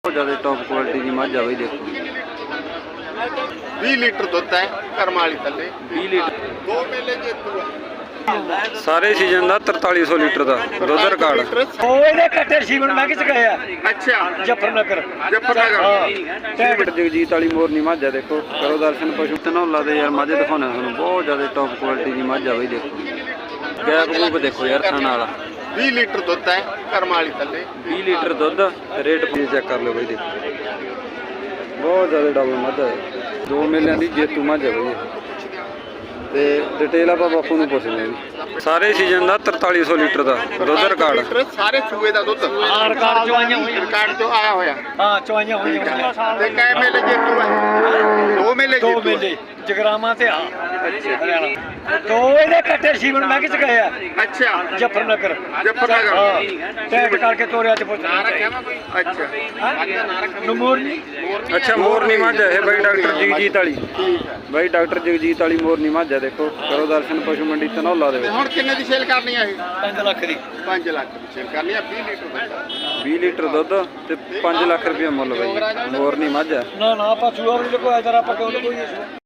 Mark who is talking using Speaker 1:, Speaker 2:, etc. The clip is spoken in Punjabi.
Speaker 1: बहुत ज़्यादा टॉप क्वालिटी की मझ आ बई देखो
Speaker 2: 20 लीटर दुध है करम वाली थले
Speaker 1: 20 लीटर
Speaker 2: दो मेले जेतू है
Speaker 1: सारे सीजन का 4300 लीटर का दुध रिकॉर्ड
Speaker 3: कट्टे सीवन मैं किस गए
Speaker 2: अच्छा
Speaker 3: जफरनगर
Speaker 2: जफरनगर
Speaker 1: जगजीत वाली मोरनी मझ है देखो करो दर्शन पशु धनौला दे यार मझ दिखाने थानू बहुत ज़्यादा टॉप क्वालिटी की मझ आ बई देखो गैप गूप देखो यार खाना वाला
Speaker 2: 20 लीटर दुध है करम वाली थले
Speaker 1: 20 लीटर दुध रेट चेक कर लो बई देखो बहुत ज़्यादा डबल मझ है 2 मेलियां की जेतू मझ है बई ਤੇ ਡਿਟੇਲ ਆਪਾਂ ਬਾਪੂ ਨੂੰ ਪੁੱਛਦੇ ਹਾਂ ਸਾਰੇ ਸੀਜ਼ਨ ਦਾ 4300 ਲੀਟਰ ਦਾ ਦੁੱਧ ਰਿਕਾਰਡ
Speaker 2: ਸਾਰੇ ਸੂਏ ਦਾ ਦੁੱਧ
Speaker 3: ਰਿਕਾਰਡ ਚੋਂ ਆਈਆਂ ਹੋਈਆਂ
Speaker 2: ਰਿਕਾਰਡ ਚੋਂ ਆਇਆ ਹੋਇਆ
Speaker 3: ਹਾਂ ਚੋਈਆਂ ਹੋਈਆਂ
Speaker 2: ਤੇ ਕਈ ਮੇਲੇ ਜੇਤੂ ਹੈ ਦੋ ਮੇਲੇ
Speaker 3: ਦੋ
Speaker 2: ਜੇਤੂ
Speaker 3: ਮੇਲੇ ਜਗਰਾਮਾ ਤੇ ਹਰਿਆਣਾ ਦੋ ਇਹਦੇ ਕੱਟੇ ਸੀਵਨ ਮੈਂ ਕਿਸ ਗਏ
Speaker 2: ਅੱਛਾ
Speaker 3: ਜਫਰਨਗਰ
Speaker 2: ਜਫਰਨਗਰ
Speaker 3: ਟੈਗ ਕਰਕੇ ਤੋਰਿਆ ਚ ਪੁੱਛ
Speaker 2: ਅੱਛਾ
Speaker 3: ਨਮੋਰਨੀ
Speaker 1: ਅੱਛਾ ਮੋਰਨੀ ਮੱਝ ਹੈ ਇਹ ਬਾਈ ਡਾਕਟਰ ਜਗਜੀਤ ਵਾਲੀ ਬਾਈ ਡਾਕਟਰ ਜਗਜੀਤ ਵਾਲੀ ਮੋਰਨੀ ਮੱਝ ਹੈ ਦੇਖੋ ਕਰੋ ਦਰਸ਼ਨ ਪਸ਼ੂ ਮੰਡੀ ਧਨੌਲਾ ਦੇ ਵਿੱਚ
Speaker 2: ਹੁਣ ਕਿੰਨੇ ਦੀ ਸੇਲ ਕਰਨੀ ਆ ਇਹ
Speaker 3: 5 ਲੱਖ ਦੀ
Speaker 2: 5 ਲੱਖ ਦੀ ਸੇਲ ਕਰਨੀ ਆ 20 ਲੀਟਰ ਦੁੱਧ
Speaker 1: 20 ਲੀਟਰ ਦੁੱਧ ਤੇ 5 ਲੱਖ ਰੁਪਏ ਮੁੱਲ ਬਾਈ ਮੋਰਨੀ ਮੱਝ ਹੈ
Speaker 3: ਨਾ ਆਪਾਂ ਸੂਆ ਵੀ ਲਗਵਾਇਆ ਜਰਾ ਆਪਾਂ ਕਿਉਂ ਲਗਵਾਈਏ